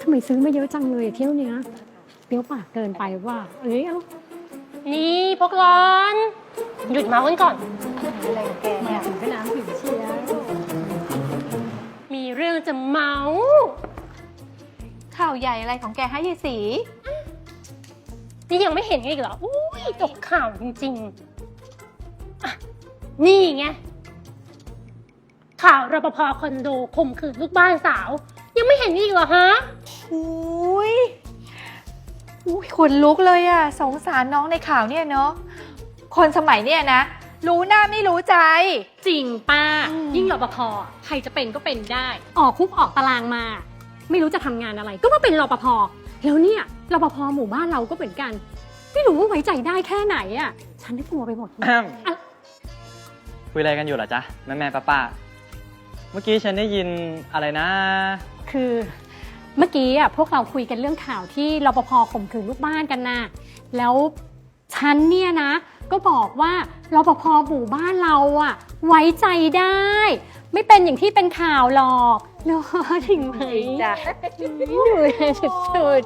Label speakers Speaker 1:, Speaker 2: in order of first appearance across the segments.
Speaker 1: ทำไมซื้อมาเยอะจังเลยเที่ยวเนี้ยเปรี้ยวปากเกินไปว่าเอ้ยเอา
Speaker 2: นี่พวกร้อนหยุดเมาส์กันก่อน
Speaker 3: อะไรของแก
Speaker 1: มา
Speaker 3: เนี่ย
Speaker 1: ถึงไปน้ำผิวเชียร์
Speaker 2: มีเรื่องจะเมาส์
Speaker 3: ข่าวใหญ่อะไรของแกฮะยายศรี
Speaker 2: นี่ยังไม่เห็นอีกเหรออุ้ยตกข่าวจริงๆอ่ะนี่ไงข่าวรปภคอนโดข่มขืนลูกบ้านสาว ยังไม่เห็นอีกเหรอฮะ
Speaker 3: อุ้ยขนลุกเลยอะสงสารน้องในข่าวเนี่ยเนาะคนสมัยเนี่ยนะ รู้หน้าไม่รู้ใจ
Speaker 2: จริงป้า
Speaker 3: อืม
Speaker 2: ยิ่งรปภใครจะเป็นก็เป็นได้
Speaker 1: ออกคุกออกตารางมา ไม่รู้จะทำงานอะไร ก็มาเป็นรปภแล้วเนี่ยรปภหมู่บ้านเราก็เหมือนกัน ไม่รู้ว่าไว้ใจได้แค่ไหนอ่ะฉันได้กลัวไปหมดเลย
Speaker 4: คุยอะไรกันอยู่เหรอจ๊ะแม่ป้าเมื่อกี้ฉันได้ยินอะไรนะ
Speaker 1: คือเมื่อกี้อ่ะพวกเราคุยกันเรื่องข่าวที่รปภข่มขืนลูกบ้านกันนะแล้วฉันเนี่ยนะ ก็บอกว่ารปภหมู่บ้านเราอ่ะ ไว้ใจได้ ไม่เป็นอย่างที่เป็นข่าวหรอกเนาะถึงไหม
Speaker 3: จ้ะ
Speaker 1: สุด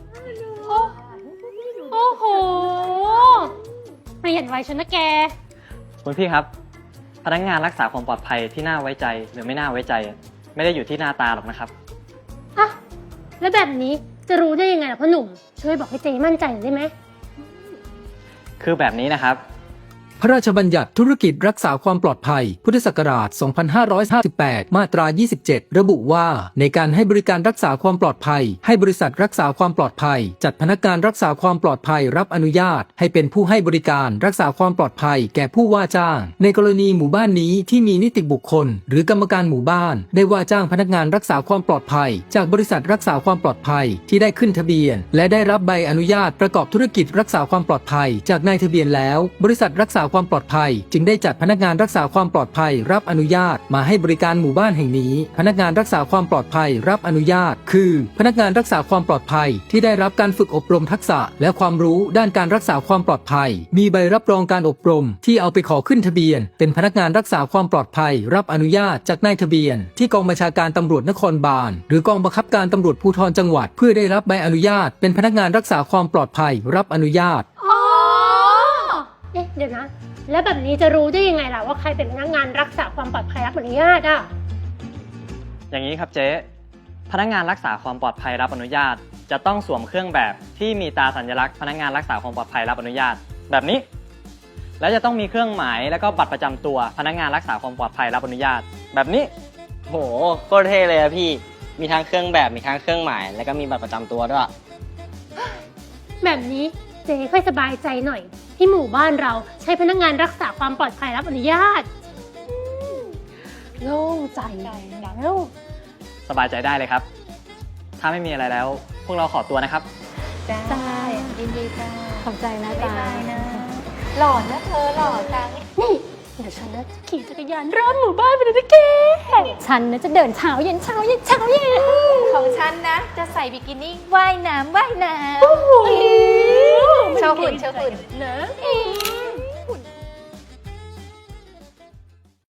Speaker 2: โอ้โห เปลี่ยนไว้ชนะแก
Speaker 4: คุณพี่ครับ พนักงานรักษาความปลอดภัยที่น่าไว้ใจหรือไม่น่าไว้ใจ ไม่ได้อยู่ที่หน้าตาหรอกนะครับ
Speaker 2: อ่ะ แล้วแบบนี้จะรู้ได้ยังไงล่ะพ่อหนุ่ม ช่วยบอกให้เจมั่นใจหน่อยได้ไหม
Speaker 4: คือแบบนี้นะครับ
Speaker 5: พระราชบัญญัติธุรกิจรักษาความปลอดภัย พุทธศักราช 2558 มาตรา 27 ระบุว่า ในการให้บริการรักษาความปลอดภัย ให้บริษัทรักษาความปลอดภัย จัดพนักงานรักษาความปลอดภัยรับอนุญาต ให้เป็นผู้ให้บริการรักษาความปลอดภัยแก่ผู้ว่าจ้าง ในกรณีหมู่บ้านนี้ที่มีนิติบุคคล หรือกรรมการหมู่บ้าน ได้ว่าจ้างพนักงานรักษาความปลอดภัย จากบริษัทรักษาความปลอดภัยที่ได้ขึ้นทะเบียน และได้รับใบอนุญาตประกอบธุรกิจรักษาความปลอดภัย จากนายทะเบียนแล้ว บริษัทรักษาความปลอดภัยจึงได้จัดพนักงานรักษาความปลอดภัยรับอนุญาตมาให้บริการหมู่บ้านแห่งนี้พนักงานรักษาความปลอดภัยรับอนุญาตคือ พนักงานรักษาความปลอดภัยที่ได้รับการฝึกอบรมทักษะและความรู้ด้านการรักษาความปลอดภัยมีใบรับรองการอบรมที่เอาไปขอขึ้นทะเบียนเป็นพนักงานรักษาความปลอดภัยรับอนุญาตจากนายทะเบียนที่กองบัญชาการตำรวจนครบาลหรือกองบังคับการตำรวจภูธรจังหวัดเพื่อได้รับใบอนุญาตเป็นพนักงานรักษาความปลอดภัยรับอนุญาต
Speaker 2: อ๋อ เอ๊ะ เดี๋ยวนะ แล้วแบบนี้จะรู้ได้ยังไงล่ะว่าใครเป็นพนักงานรักษาความปลอดภัยรับอนุญาตอ่ะ
Speaker 4: อย่างนี้ครับเจ๊ พนักงานรักษาความปลอดภัยรับอนุญาต จะต้องสวมเครื่องแบบที่มีตราสัญลักษณ์พนักงานรักษาความปลอดภัยรับอนุญาต แบบนี้ แล้วจะต้องมีเครื่องหมายแล้วก็บัตรประจำตัวพนักงานรักษาความปลอดภัยรับอนุญาต แบบนี้
Speaker 6: โหโคตรเท่เลยอะพี่ มีทั้งเครื่องแบบมีทั้งเครื่องหมาย แล้วก็มีบัตรประจำตัวด้วย
Speaker 2: แบบนี้เจ๊ค่อยสบายใจหน่อย ที่หมู่บ้านเราใช้พนักงานรักษาความปลอดภัยรับอนุญาต
Speaker 1: โล่งใจแล้ว
Speaker 4: สบายใจได้เลยครับ ถ้าไม่มีอะไรแล้ว พวกเราขอตัวนะครับ
Speaker 3: จ้า
Speaker 1: จ้า
Speaker 3: ยินดีจ้า
Speaker 1: ขอบใจนะ
Speaker 3: บ๊าย
Speaker 1: จ๊ะ
Speaker 3: บายนะ หล่อนะเธอหล่อจัง
Speaker 2: นี่ เดี๋ยวฉันนะจะขี่จักรยานรอบหมู่บ้านไปเลยนะแก
Speaker 1: ฉันนะจะเดินเช้าเย็นเช้าเย็นเช้าเย็น
Speaker 3: ของฉันนะ จะใส่บิกินี่ว่ายน้ำว่ายน้ำ
Speaker 2: โอ้โห
Speaker 3: โชว์หุ่นโชว์หุ่น
Speaker 2: นะ